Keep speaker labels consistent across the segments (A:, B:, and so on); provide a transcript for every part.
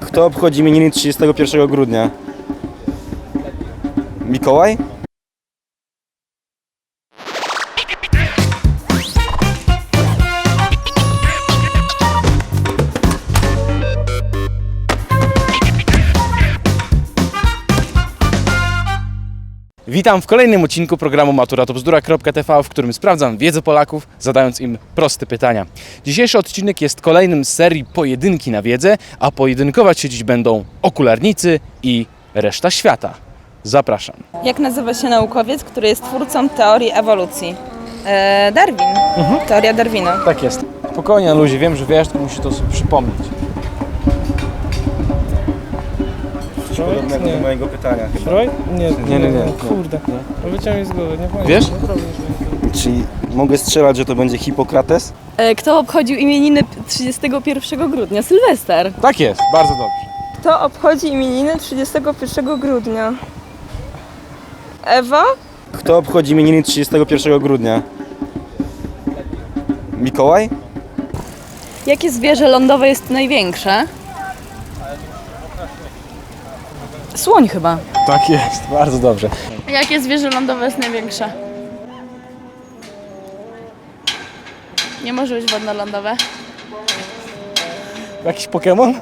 A: Kto obchodzi imieniny 31 grudnia? Mikołaj?
B: Witam w kolejnym odcinku programu Matura to Bzdura.tv, w którym sprawdzam wiedzę Polaków, zadając im proste pytania. Dzisiejszy odcinek jest kolejnym z serii Pojedynki na wiedzę, a pojedynkować się dziś będą okularnicy i reszta świata. Zapraszam.
C: Jak nazywa się naukowiec, który jest twórcą teorii ewolucji? Darwin. Teoria Darwina.
B: Tak jest. Spokojnie, na luzie, wiem, że wiesz, tylko musisz to sobie przypomnieć.
A: Podobnego do mojego pytania chyba.
D: Freud? Nie.
A: Kurde.
D: Wyciągnij z głowy, nie pamiętam.
B: Wiesz?
A: Czyli mogę strzelać, że to będzie Hipokrates?
E: Kto obchodził imieniny 31 grudnia? Sylwester.
B: Tak jest, bardzo dobrze.
C: Kto obchodzi imieniny 31 grudnia? Ewa?
A: Kto obchodzi imieniny 31 grudnia? Mikołaj?
E: Jakie zwierzę lądowe jest największe? Słoń chyba.
B: Tak jest, bardzo dobrze.
E: Jakie zwierzę lądowe jest największe? Nie może być wodno-lądowe.
B: Jakiś Pokémon?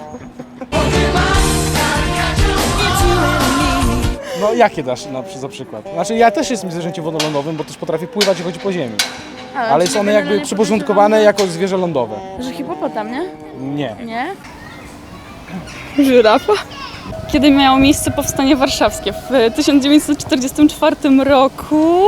B: No jakie dasz za przykład? Znaczy ja też jestem zwierzęciem wodolądowym, bo też potrafię pływać i chodzić po ziemi. Ale są one jakby przyporządkowane jako zwierzę lądowe.
E: Że hipopotam, nie?
B: Nie.
E: Nie?
C: Żyrafa?
E: Kiedy miało miejsce powstanie warszawskie? W 1944 roku.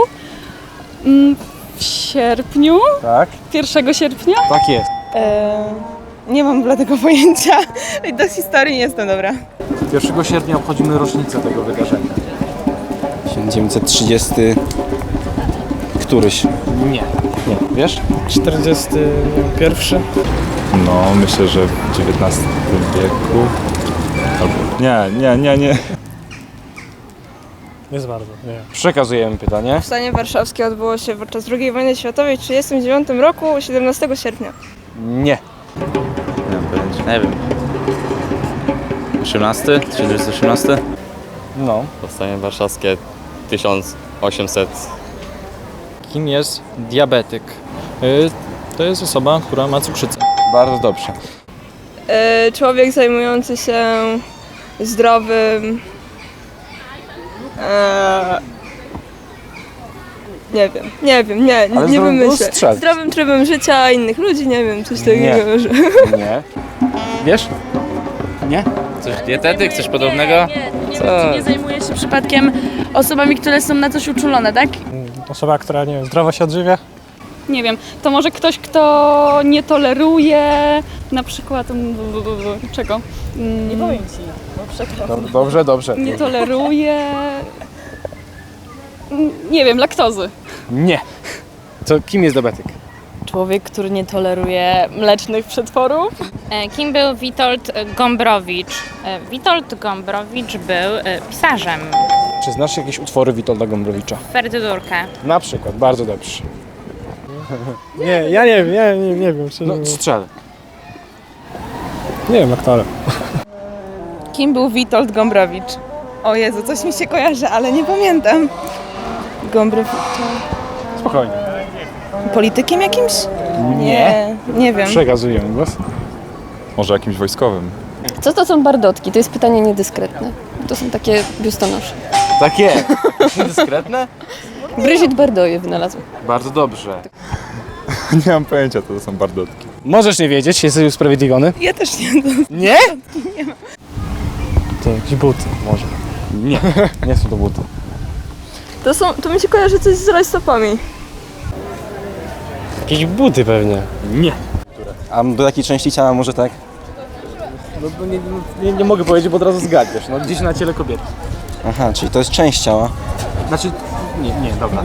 E: W sierpniu?
B: Tak?
E: 1 sierpnia?
B: Tak jest.
C: Nie mam bladego pojęcia. Do historii nie jestem dobra.
B: 1 sierpnia obchodzimy rocznicę tego wydarzenia.
A: 1930... któryś.
B: Nie. Nie. Wiesz?
D: 41.
F: No, myślę, że w XIX wieku. Albo... Nie.
D: Jest bardzo, nie.
B: Przekazujemy pytanie.
C: Powstanie warszawskie odbyło się podczas II wojny światowej w 1939 roku 17 sierpnia.
B: Nie.
G: Nie mam pojęcia. Nie wiem. 18? 1918?
B: No.
G: Powstanie warszawskie 1800.
D: Kim jest diabetyk? To jest osoba, która ma cukrzycę.
B: Bardzo dobrze.
C: Człowiek zajmujący się zdrowym... Nie wiem, nie
B: zdrowym
C: wymyślę.
B: strzelc.
C: Zdrowym trybem życia innych ludzi, nie wiem, coś takiego. Że...
B: Nie. Wiesz? Nie?
G: Coś dietetyk, coś podobnego? Co?
E: Nie zajmuje się przypadkiem osobami, które są na coś uczulone, tak?
D: Osoba, która, nie wiem, zdrowo się odżywia.
E: Nie wiem, to może ktoś, kto nie toleruje na przykład... czego? Nie powiem ci.
B: Dobrze.
E: Nie toleruje... nie wiem, laktozy.
B: Nie. To kim jest diabetyk?
E: Człowiek, który nie toleruje mlecznych przetworów.
H: Kim był Witold Gombrowicz? Witold Gombrowicz był pisarzem.
B: Czy znasz jakieś utwory Witolda Gombrowicza?
H: Ferdydurkę.
B: Na przykład, bardzo dobrze.
D: Nie, ja nie wiem, nie wiem. Szczerze
B: No,
D: mówiąc.
B: strzel.
D: Nie wiem, aktorem.
C: Kim był Witold Gombrowicz? O Jezu, coś mi się kojarzy, ale nie pamiętam. Gombrowicz.
B: Spokojnie.
C: Politykiem jakimś? Nie wiem.
B: Przekazujemy głos.
F: Może jakimś wojskowym.
I: Co to są bardotki? To jest pytanie niedyskretne. To są takie biustonosze.
B: Takie. Dyskretne?
I: Brigitte Bardot je wynalazła.
B: Bardzo dobrze.
F: Nie mam pojęcia, to są bardotki.
B: Możesz nie wiedzieć, jesteś usprawiedliwiony.
C: Ja też nie.
B: Nie?
D: To jakieś buty może.
B: Nie. Nie są to buty.
C: To mi się kojarzy coś z rajstopami.
D: Jakieś buty pewnie.
B: Nie.
A: A do jakiej części ciała może tak?
B: No, nie mogę powiedzieć, bo od razu zgadniesz. No gdzieś na ciele kobiety.
A: Aha, czyli to jest część ciała.
B: Znaczy... Nie, dobra.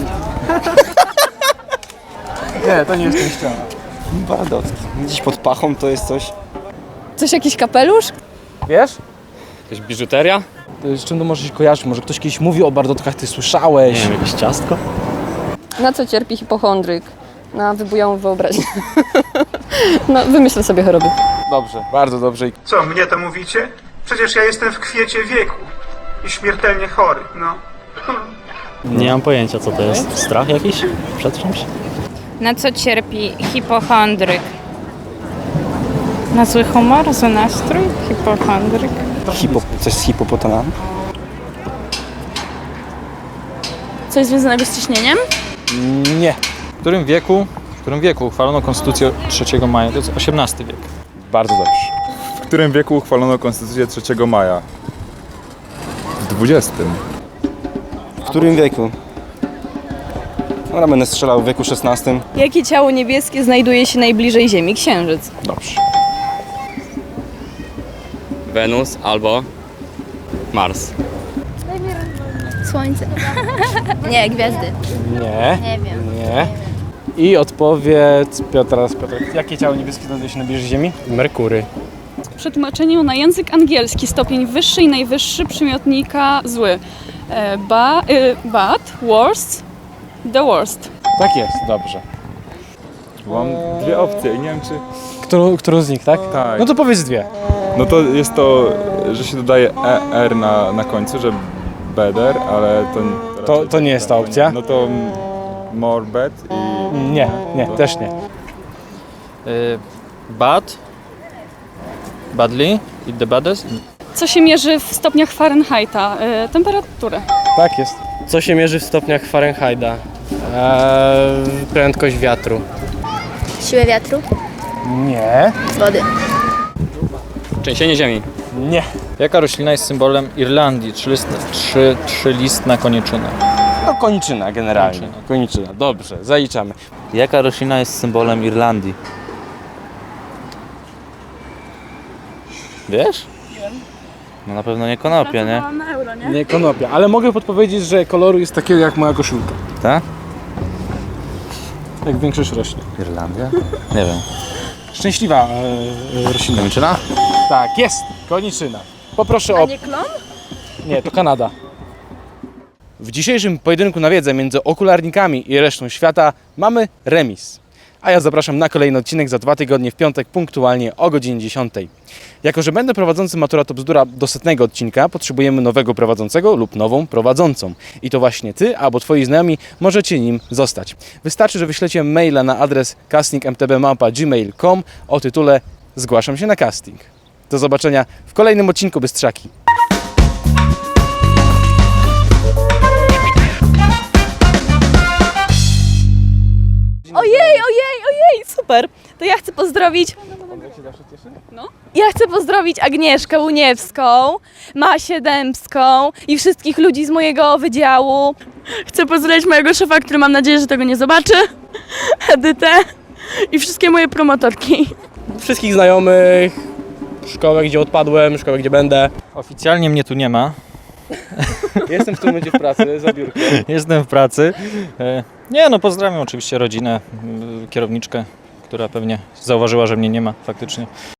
B: To nie jest część ciała.
A: Bardotki. Gdzieś pod pachą to jest coś.
I: Coś, jakiś kapelusz?
B: Wiesz?
G: Jakaś biżuteria?
B: Z czym to może się kojarzyć? Może ktoś kiedyś mówił o bardotkach, ty słyszałeś?
G: Nie wiem, jakieś ciastko?
I: Na co cierpi hipochondryk? Na wybujałą wyobraźnię. No, wymyślę sobie choroby.
B: Dobrze, bardzo dobrze.
J: Co, mnie to mówicie? Przecież ja jestem w kwiecie wieku i śmiertelnie chory, no.
D: Nie mam pojęcia, co to jest. Strach jakiś przed czymś?
H: Na co cierpi hipochondryk? Na zły humor, zły nastrój? Hipochondryk.
A: Coś z hipopotamami?
E: Coś związanego z ciśnieniem?
B: Nie.
D: W którym wieku uchwalono Konstytucję 3 maja? To jest XVIII wiek.
B: Bardzo dobrze.
F: W którym wieku uchwalono Konstytucję 3 maja? W XX.
A: W którym wieku? Dobra, będę strzelał w wieku XVI.
I: Jakie ciało niebieskie znajduje się najbliżej Ziemi? Księżyc.
B: Dobrze.
G: Wenus albo Mars.
K: Słońce. Nie, gwiazdy.
B: Nie.
K: Nie wiem.
B: Nie. I odpowiedz Piotra. Jakie ciało niebieskie znajduje się najbliżej Ziemi? Merkury.
E: W przetłumaczeniu na język angielski stopień wyższy i najwyższy przymiotnika zły. Bad, worst, the worst.
B: Tak jest, dobrze.
F: Mam dwie opcje i nie wiem czy...
B: Którą z nich, tak?
F: Tak.
B: No to powiedz dwie.
F: No to jest to, że się dodaje ER na końcu, że better, ale to...
B: To nie jest ta opcja?
F: No to more bad i...
B: Nie, też nie.
D: Badly i the baddest.
E: Co się mierzy w stopniach Fahrenheita? Temperaturę.
B: Tak jest.
G: Co się mierzy w stopniach Fahrenheita? Prędkość wiatru.
K: Siłę wiatru?
B: Nie.
K: Wody.
G: Trzęsienie ziemi.
B: Nie.
D: Jaka roślina jest symbolem Irlandii? Trzylistna koniczyna.
B: No koniczyna generalnie. Koniczyna. Dobrze, zaliczamy.
L: Jaka roślina jest symbolem Irlandii? Wiesz? No na pewno nie konopie, nie?
E: Na euro, nie?
B: Nie konopia, ale mogę podpowiedzieć, że koloru jest takiego jak moja koszulka.
L: Tak?
B: Jak większość roślin.
L: Irlandia? Nie wiem.
B: Szczęśliwa roślina.
L: Koniczyna?
B: Tak, jest. Koniczyna. Poproszę o...
E: Nie klon?
B: Nie, to Kanada. W dzisiejszym pojedynku na wiedzę między okularnikami i resztą świata mamy remis. A ja zapraszam na kolejny odcinek za 2 tygodnie w piątek punktualnie o godzinie 10. Jako że będę prowadzącym Matura to bzdura do 100 odcinka, potrzebujemy nowego prowadzącego lub nową prowadzącą. I to właśnie Ty albo Twoi znajomi możecie nim zostać. Wystarczy, że wyślecie maila na adres castingmtb@gmail.com o tytule Zgłaszam się na casting. Do zobaczenia w kolejnym odcinku Bystrzaki.
I: Ojej, super. To ja chcę pozdrowić... Ja chcę pozdrowić Agnieszkę Łuniewską, Masię Dębską i wszystkich ludzi z mojego wydziału.
E: Chcę pozdrowić mojego szefa, który mam nadzieję, że tego nie zobaczy. Edytę i wszystkie moje promotorki.
G: Wszystkich znajomych, szkołę, gdzie odpadłem, szkołę, gdzie będę.
D: Oficjalnie mnie tu nie ma.
B: Jestem w tym momencie w pracy, za biurkiem.
D: Jestem w pracy. Nie no, pozdrawiam oczywiście rodzinę, kierowniczkę, która pewnie zauważyła, że mnie nie ma faktycznie.